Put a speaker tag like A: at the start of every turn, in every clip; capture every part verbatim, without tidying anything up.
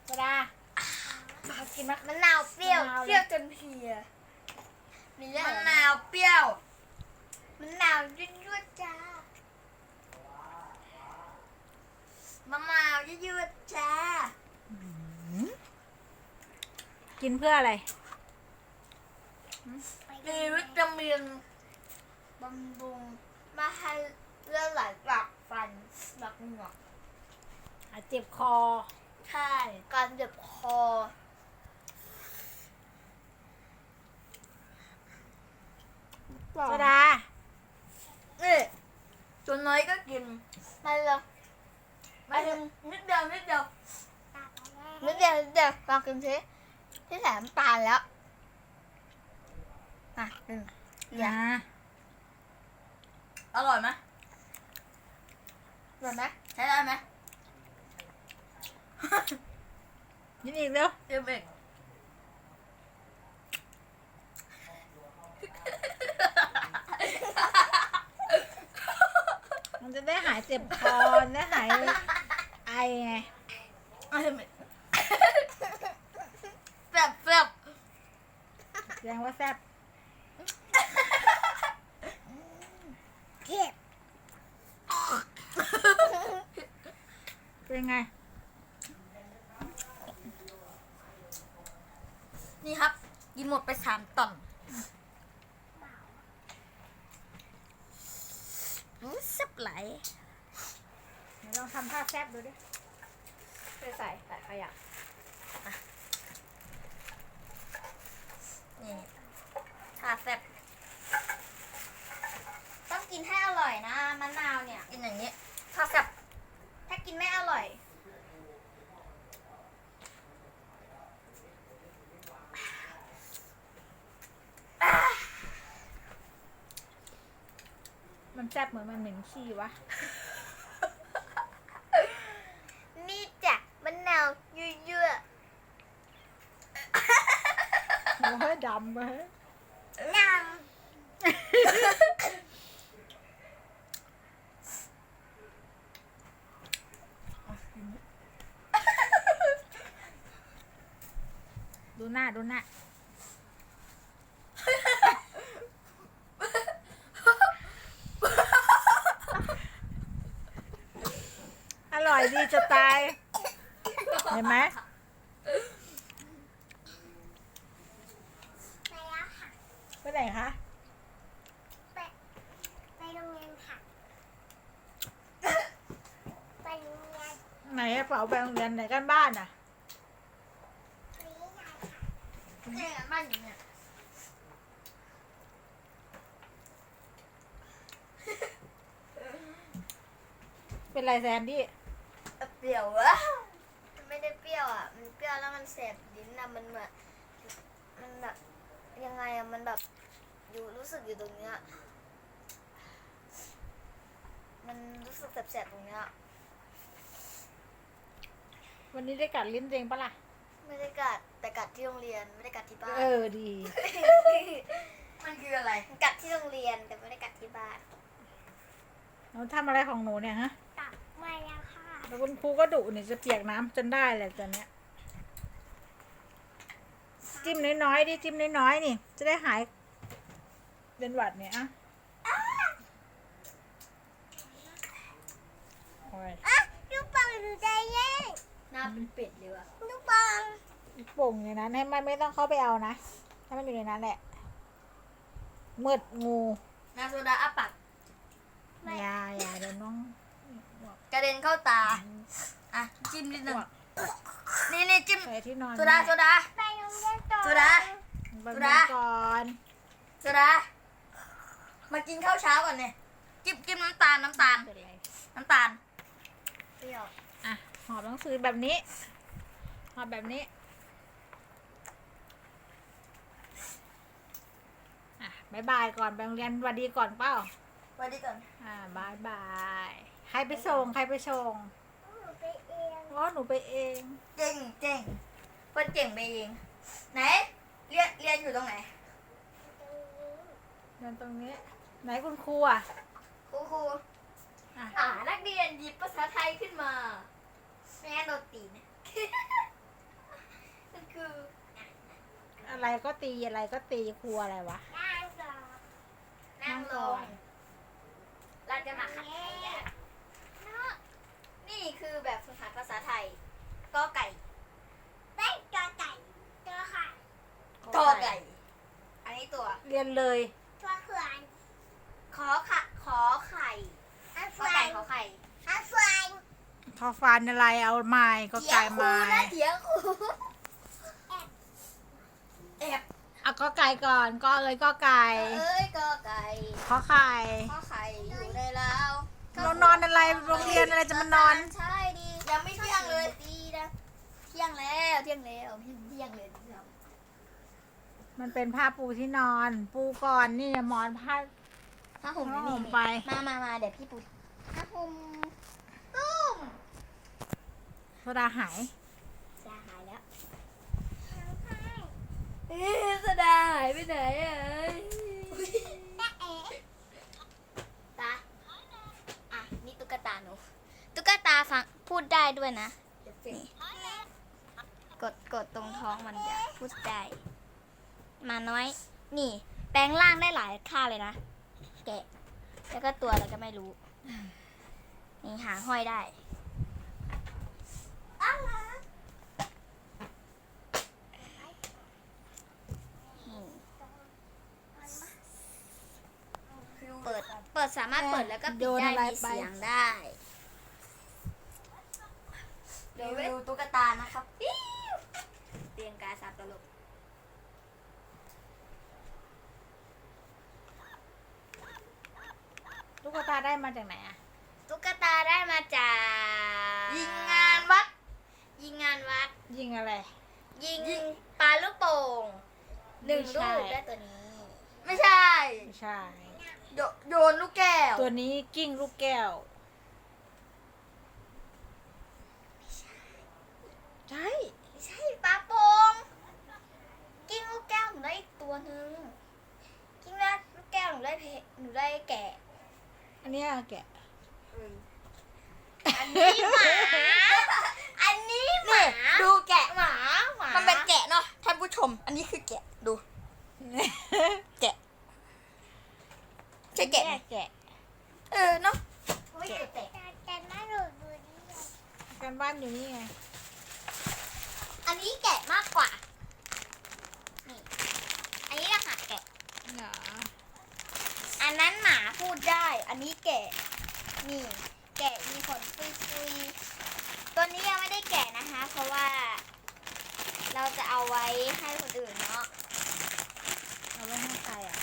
A: โซดามากินมะ
B: มะนาวเปรี้ยว
A: มะนาวเลย
B: เปรี้ยวจนเพลียมีเรื่อง
C: มะ
B: อะไร
C: นาวเปรี้ยว
B: มะนาวยั่วๆจ้าม
C: ะนาวยืดๆจ้า
A: กินเพื่ออะไร
C: มีวิตามิน
B: บำรุงมาให้เลือดไหลกลับฟันหลักเหงือก
A: อ่ะเจ็บคอ
B: ใช่การเจ็บคอ
A: โซดา
C: นี่ส่วนน้อยก็กิน
B: มาเลย
C: มาถึงนิดเดียวนิดเดียว
B: นิดเดียวนิดเดียวลองกินสิที่แสมตาลแล้วอ่ะหนึ่ง
A: อย่า
C: อร่อยไหม
B: เห็นไหม
C: ใช้ได้ไหม
A: กินอีกเร็ว
C: เอ็มเอก
A: มันจะได้หายเจ็บคอได้หายไอไง
C: เอ็มเอกแซ่บแซ่บ
A: แสดงว่าแซ่บ
B: เก็บ
A: เป็นไง
C: นี่ครับ กินหมดไปสามต่อม
B: รู้สึกไหล
A: เดี๋ยวลองทำท่าแซ่บดูดิ
B: ไปใส่ใส่ขยะ
C: นี่ถ้าแซ่บ
B: ต้องกินให้อร่อยนะมะนาวเนี่ย
C: กินอย่างนี้ถ้าแซ่บ
B: ถ้ากินไม่อร่อย
A: มันแซ่บเหมือนมันเหม็นขี้วะ
B: นี่จ้ะมะนาวยั่ว
A: โอ้ยดำเลย
B: ๆน้
A: ดูหน้าดูหน้า อร่อยดีจะตาย เห็นไหม
B: ำไปแล้วค่ะ
A: ไปไหนคะ
B: ไปไปโรงเรียนค่ะ ไปโรงเรียน
A: ไหนกระเป๋าไปโรงเรียนไหนกันบ้านอ่ะ
B: ไปยายค่ะ
C: นี่บ้านอยู่เนี่ย
A: เป็นไรแซนดี้
C: เปรี้ยววะ
B: มันไม่ได้เปรี้ยวอ่ะ มันเปรี้ยวแล้วมันแสบลิ้นอ่ะ มันเหมือนมันแบบยังไงอ่ะ มันแบบอยู่รู้สึกอยู่ตรงเนี้ย มันรู้สึกแสบๆตรงเนี้ย
A: วันนี้ได้กัดลิ้นตัวเองปะล่ะ
B: ไม่ได้กัดแต่กัดที่โรงเรียนไม่ได้กัดที่บ้าน
A: เออดี
C: มันคืออะไร
B: กัดที่โรงเรียนแต่ไม่ได้กัดที่บ้าน
A: หนูทำอะไรของหนูเนี่ยฮะ
B: กัดมาแล้วค่ะ
A: แล้วคุณครูก็ดุเนี่ยจะเปียกน้ำจนได้แหละตอนเนี้ย จิ้มน้อยๆดิจิ้มน้อยๆนี่ จะได้หายเป็นหวัดเนี่ยอะโอ้ย
B: อ่ะลูกปังอยู่ใจเย็นหน้าเป็นเป็ดเลยว่ะลูกปัง
A: โป่งในนั้นให้มันไม่ต้องเข้าไปเอานะให้มันอยู่ในนั้นแหละมืดงู
C: นาโซดาอ้าปาก
A: อย่าอย่าเดี๋ยวน้อง
C: กระเด็นเข้าตา อ่ะ จิ้มนิดนึง นี่นี่จิ้ม
A: ใส่ที่นอน
C: โซดาโซดา
B: ไปโรงเรียนต่อ
C: โซดา
A: ไป
C: โซ
A: นอ
C: ดา
A: นก่อน
C: โซดา มากินข้าวเช้าก่อนเนี่ยจิ้มจิ้มน้ำตาลน้ำตาล
A: เป็นไร
C: น้ำตาล
B: เปรี้ยว
A: อ่ะหอบหนังสือแบบนี้หอบแบบนี้อ่ะบายบายก่อนไปโรงเรียนสวัสดีก่อนเป้า
C: ไว้ดีก่อน
A: อ่าบายบายใครไปส่งใครไปส่ง
B: หนูไปเอง
A: อ๋อหนูไปเอง
C: เจ๋งเจ๋งเพื่อนเจ๋งไปเอง ไหน เรียนเรียนอยู่ตรงไหน
A: เดินตรงนี้ ไหนคุณครูอ่ะ
C: ครูครู
A: อ่ะ
C: อ่านักเรียนหยิบภาษาไทยขึ้นมา ไม่งั้นโดนตีนะ
A: อะไรก็ตีอะไรก็ตีครูอะไรวะ
B: นั่งลง
C: เราจะมาขัดไทยกันนี่คือแบบฝึกหัดภาษาไทยกอไก่
B: ได้กอไก่ตัวค่ะ
C: กอไก่ อันนี้ตัว
A: เรียนเลย
B: ตัวเขื่อน
C: ขอขะขอไข่
B: อัน
C: ก
B: ฟ
C: อ
B: ลา
C: ไก่
B: ย
C: ขอไข่
B: อันฟลาย
A: ทอฟันอะไรเอาไม้ก็ไก่ไม้
C: เถียงครูแอบ
A: เอาก็ไก่ก่อนก็เอ้ยก็ไก่
C: เอ้ยกอไก่
A: ขอไข่
C: ขอไข่อยู่ในลาว
A: เรานอนอะไรโรงเรียนอะไรจะมานอน
C: ใช่ดียังไม่เที่ยงเลยดีนะเที่ยงแล้วเที่ยงแล้วเที่ยงเที่ยงเลย
A: มันเป็นผ้าปูที่นอน ปูก่อนนี่หมอนผ้า
C: ถ้าห่ม
A: ผ้า
C: นี่
A: ห่มไป
C: มามามาเดี๋ยวพี่ปูถ้าห่มตุ้ม
A: โซดาหาย
C: จะหายแล้วเอ๊ะสดาหายไปไหนอ่ะตาอ่ะนี่ตุ๊กตาหนูตุ๊กตาฟังพูดได้ด้วยนะนี่กดกดตรงท้องมันจะพูดได้มาน้อย นี่ แปลงร่างได้หลายค่าเลยนะแกะแล้วก็ตัวอะไรก็ไม่รู้นี่หางห้อยได้เปิด เปิดสามารถเปิดแล้วก็ปิดได้มีเสียงได้ เดี๋ยวดูตุ๊กตานะครับปิ้วเตียงกาสับตลก
A: ตุ๊กตาได้มาจากไหนอะ
C: ตุ๊กตาได้มาจากยิงงานวัด ยิงงานวัด
A: ยิงอะไร
C: ยิงปลาลูกโป่งหนึ่ง
A: ไม่
C: ลู
A: ใช่
C: กได้ตัวนี้ ไม่ใช่
A: ไม่ใช่
C: โยโยนลูกแก้ว
A: ตัวนี้กิ้งลูกแก้ว ใช่
C: ไม่ใช่ปลาโป่งกิ้งลูกแก้วหนูได้อีกตัวหนึ่งกิ้งลูกแก้วหนูได้เพหนูได้แกะ
A: อันเนี้ยแกะ
C: อันนี้หมา อันนี้หมาดูแกะหมาหมา มันเป็นแกะเนาะท่านผู้ชม อันนี้คือแกะดู แกะใช่แกะไหม
A: แกะ
C: เออเนาะ
B: แกะแกะแกะน่าดูดูดิ
A: การบ้านอยู่นี่ไง
C: อันนี้แกะมากกว่า นี่ อันนี้รหัสแกะ
A: เหรอ
C: อันนั้นหมาพูดได้ อันนี้แกะ นี่ แกะมีขนปุยๆตัวนี้ยังไม่ได้แกะนะคะ เพราะว่า เราจะเอาไว้ให้คนอื่นเนาะ
A: เอาไว้ให้ใครอ่ะ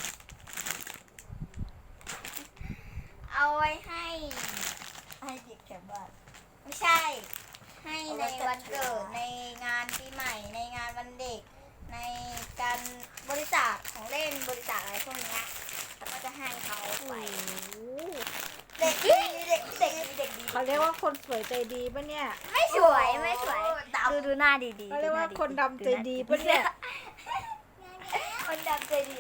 C: เอาไว้ให้ ให้เด็กแถวบ้านไม่ใช่ ให้ในวันเกิด ในงานปีใหม่ ในงานวันเด็ก ในการบริจาคของเล่น บริจาคอะไรพวกเนี้ยแล้วก็จะให้เขาไป เด็กดีเด็กเด็กดีเด็กดี
A: เขาเรียกว่าคนสวยใจดีปะเนี่ย
C: ไม่สวยไม่สวย ดูดูหน้าดีดี
A: เขาเรียกว่าคนดำใจดีปะเนี่ย
C: คนดำใจดี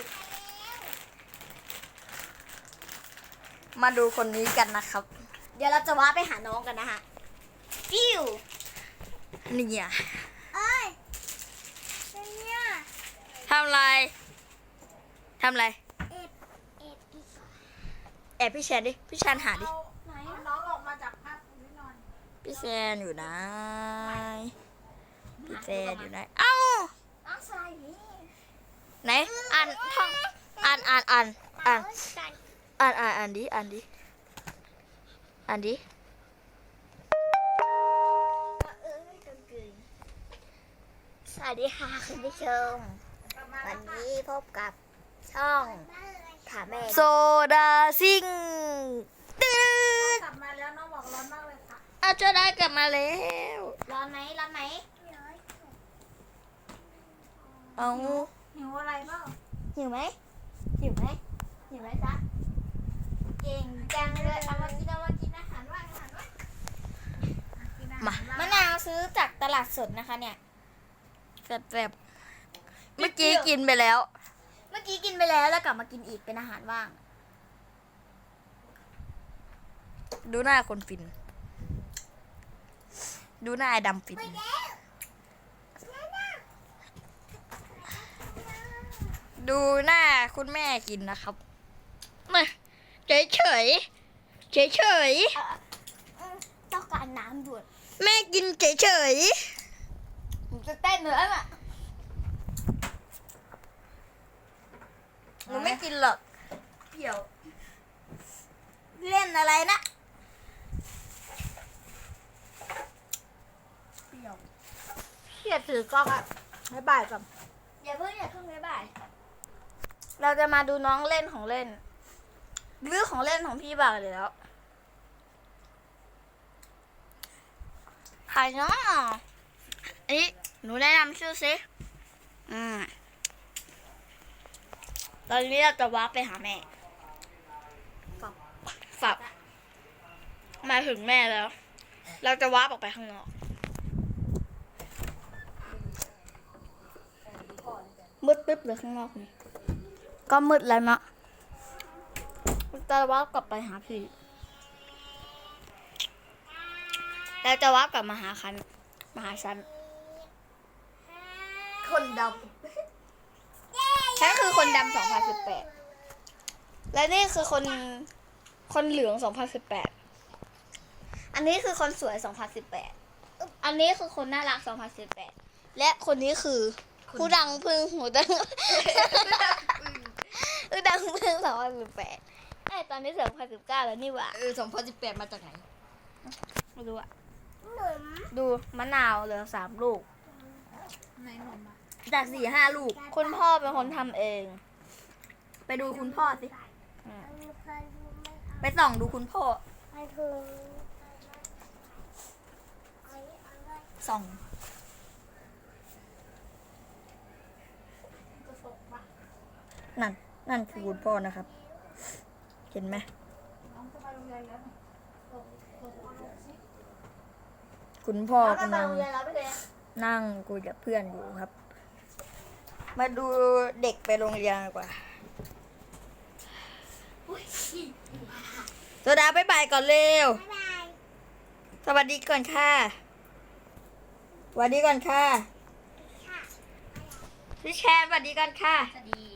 C: มาดูคนนี้กันนะครับ เดี๋ยวเราจะว้าไปหาน้องกันนะฮะฟิวนี่อ่ะ
B: เอ้ยเนี่ย
C: ทำอะไรทำอะไร
B: เอ็ดเอ็ดอีก
C: แอบพี่แชนดิพี่แชนหาดิ
B: ไหน
A: เอาน้องออกมาจากผ้าปูที่นอน
C: พี่แชนอยู่ไหนพี่แชนอยู่ไหนเอ้า
B: น้องชายนี่
C: ไหนอ่านท่องอ่านอ่านอ่านอ่าน อ่านอ่านอ่านดิอ่านดิอ่านดิ
B: เอ้ยตัวกึ่ง
C: สวัสดีค่ะคุณผู้ชม วันนี้พบกับช่องถามแม่โซดาซิงตื้อก
A: ลับมาแล้วน้องบอกร้อนมากเลยค่ะ
C: อาจจะได้กลับมาแล้ว
B: ร้อนไหมร้อนไหม
C: เอา
A: หิวอะไรเปล่า
C: หิวไหมหิวไหมหิวไหมจ๊ะ
B: เก่งจังเลยเอามากินเอามากินอาหารว่างอาหารว่าง
A: กินอาหาร
C: มา
A: บ้ง
C: มะนาวซื้อจากตลาดสดนะคะเนี่ยแบบเมื่อกี้กินไปแล้ว เมื่อกี้กินไปแล้วแล้วกลับมากินอีกเป็นอาหารว่าง ดูหน้าคนฟิน ดูหน้าไอ้ดำฟิน
B: น้
C: ดูหน้าคุณแม่กินนะครับมาเฉยเฉยเฉยเฉย
B: ต้องการน้ำด่วน
C: ๆแม่กินเฉยเฉย
B: ผมจะเต้นเหนืออ่ะ
C: ๆหนูไม่กินหรอก
B: เปี่ยว
C: เล่นอะไรนะ
B: เปี่ยว
A: เขียดถือกล้องอ่ะบ๊ายบายก่อน
B: อย่าเพิ่งอย่าเพิ่งบ๊ายบาย
C: เราจะมาดูน้องเล่นของเล่นรื้อของเล่นของพี่บ่าวเลยแล้วใครเนาะอันนี้หนูแนะนำชื่อสิอืมตอนนี้เราจะวาร์ปไปหาแม่ฝับฝับมาถึงแม่แล้ว เราจะวาร์ปออกไปข้างนอกมืดตึ๊บเลยข้างนอกนี่ก็มืดแล้วเนาะจะวาร์ปกลับไปหาพี่แล้วจะวาร์ปกลับมาหาคันมาหาฉัน
B: คนด
C: ฉันคือคนดำสองพันสิบแปดและนี่คือคนคนเหลืองสองพันสิบแปดอันนี้คือคนสวยสองพันสิบแปดอันนี้คือคนน่ารักสองพันสิบแปดและคนนี้คือผู้ดังพึ่งหูดังผู้ดังพึ่งสองพันสิบแปดไอ้ตอนนี้สองพันสิบเก้าแล้วนี่หว่า
B: ำเออสองพันสิบแปดมาจากไหน
C: ไม่รู้อะดูมะนาวเหลือสามลูก
A: ในนมอ่ะ
B: จากสี่ห้าลูก
C: คุณพ่อเป็นคนทำเอง
B: ไปดูคุณพ่อสิ
C: อืม
B: ไปส่องดูคุณพ่อ ส่อง นั่น นั่นคือคุณพ่อนะครับ เห็นไหม คุณพ่อกำลังนั่งคุยกับเพื่อนอยู่ครับ มาดูเด็กไปโรงเรียนดีกว่าโซดาบ๊ายบายก่อนเร็ว สวัสดีก่อนค่ะสวัสดีก่อนค่ะพี่แชนสวัสดีก่อนค่ะ
C: สวัสดี